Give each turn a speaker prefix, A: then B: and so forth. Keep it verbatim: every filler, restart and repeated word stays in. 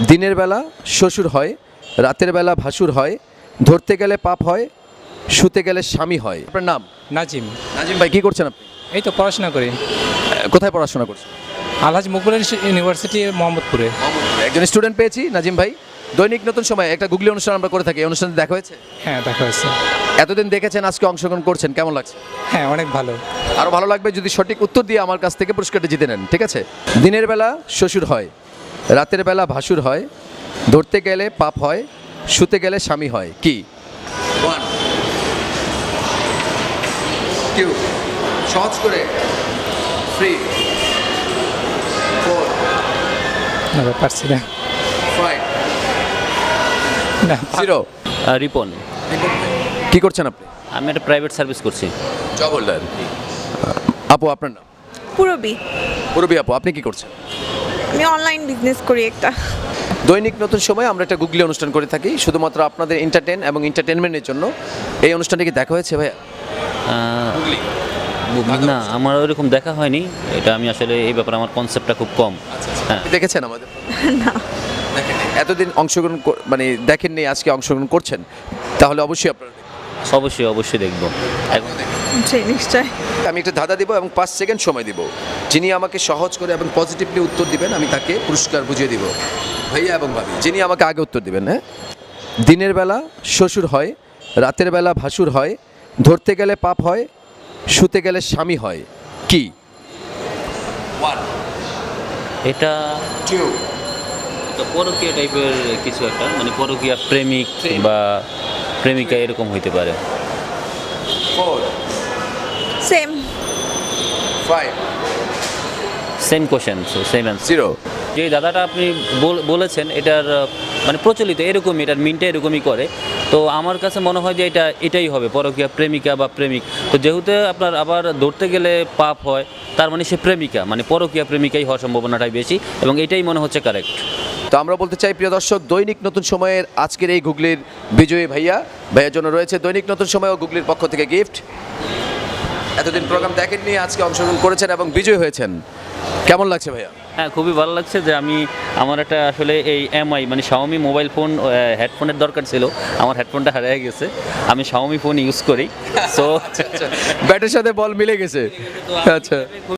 A: দিনের বেলা শ্বশুর হয়, রাতের বেলা ভাসুর হয়, ধরতে গেলে পাপ হয়, শুতে গেলে স্বামী হয়। আপনার নাম?
B: নাজিম।
A: নাজিম ভাই, কি করছেন আপনি?
B: এই তো পড়াশোনা করি
A: আহ, কোথায় পড়াশোনা করছেন?
B: আলহাজ মুকবুল ইউনিভার্সিটি মোহাম্মদপুরে।
A: একজন স্টুডেন্ট পেয়েছি নাজিম ভাই। দৈনিক নতুন সময় একটা গুগলি অনুষ্ঠান আমরা করে থাকি, এই অনুষ্ঠানে দেখা হয়েছে?
B: হ্যাঁ, দেখা হয়েছে।
A: এতদিন দেখেছেন, আজকে অংশগ্রহণ করছেন, কেমন লাগছে?
B: হ্যাঁ, অনেক ভালো।
A: আরও ভালো লাগবে যদি সঠিক উত্তর দিয়ে আমার কাছ থেকে পুরস্কারটা জিতে নেন, ঠিক আছে? দিনের বেলা শ্বশুর হয়, রাতের বেলা ভাসুর হয়, ধরতে গেলে পাপ হয়, শুতে গেলে স্বামী হয়। কি? কেউ সহজ করে ফ্রি ফোর
B: না, পারছি না।
A: ফাইভ
B: না,
A: জিরো।
C: আহ, রিপন।
A: কি করছেন আপনি?
C: আমি একটা প্রাইভেট সার্ভিস করছি।
A: Job holder. আপু, আপনার নাম?
D: পুরবি।
A: পুরবি আপু, আপনি কি করছেন?
D: আমি অনলাইন বিজনেস করি একটা।
A: দৈনিক নতুন সময় আমরা একটা গুগলি অনুষ্ঠান করে থাকি শুধুমাত্র আপনাদের এন্টারটেন এবং এন্টারটেনমেন্টের জন্য। এই অনুষ্ঠানটি কি দেখা হয়েছে ভাইয়া?
C: আহ, না, আমার ওইরকম দেখা হয়নি। এটা আমি আসলে এই ব্যাপারে আমার কনসেপ্টটা খুব কম। হ্যাঁ,
A: আপনি দেখেছেন আমাদের? না, দেখেননি। এতদিন অংশগ্রহণ কর- মানে দেখেননি, আজকে অংশগ্রহণ করছেন, তাহলে অবশ্যই আপনারা দেখবেন।
C: অবশ্যই অবশ্যই দেখবো। এখন
D: জি, নিশ্চয়।
A: আমি একটা ধাঁধা দিব এবং পাঁচ সেকেন্ড সময় দিব। যিনি আমাকে সহজ করে এবং পজিটিভলি উত্তর দিবেন আমি তাকে পুরস্কার বুঝিয়ে দিব, ভাইয়া এবং ভাবি। যিনি আমাকে আগে উত্তর দিবেন। হ্যাঁ, দিনের বেলা শ্বশুর হয়, রাতের বেলা ভাসুর হয়, ধরতে গেলে পাপ হয়, শুতে গেলে স্বামী হয়। কি? ওয়ান,
C: এটা
A: টু,
C: এটা পরকীয়া টাইপের কিছু একটা, মানে পরকীয়া প্রেমিক বা প্রেমিকা এরকম হইতে পারে।
A: Four,
D: same.
A: Five,
C: same question, same answer.
A: Zero.
C: যে দাদাটা আপনি বল- বলেছেন এটার আহ, মানে প্রচলিত এরকমই, এটার মিনটা এরকমই করে। তো আমার কাছে মনে হয় যে এটা এটাই হবে, পরকীয়া প্রেমিকা বা প্রেমিক। তো যেহেতু আপনার আবার ধরতে গেলে পাপ হয়, তার মানে সে প্রেমিকা, মানে পরকীয়া প্রেমিকাই হওয়ার সম্ভাবনাটাই বেশি, এবং এটাই মনে হচ্ছে কারেক্ট।
A: তো আমরা বলতে চাই প্রিয় দর্শক, দৈনিক নতুন সময়ের আজকের এই গুগলির বিজয়ী ভাইয়া ভাইয়ার জন্য রয়েছে দৈনিক নতুন সময় ও গুগলির পক্ষ থেকে গিফট। এতদিন প্রোগ্রাম দেখেননি, আজকে অংশগ্রহণ করেছেন এবং বিজয়ী হয়েছেন। কেমন লাগছে ভাইয়া?
C: হ্যাঁ, খুবই ভালো লাগছে যে আমি আমার একটা আসলে এই এমআই মানে শাওমি মোবাইল ফোন হেডফোনের দরকার ছিল, আমার হেডফোনটা হারিয়ে গেছে। আমি শাওমি ফোন ইউজ করি, সো
A: ব্যাটের সাথে বল মিলে গেছে। আচ্ছা।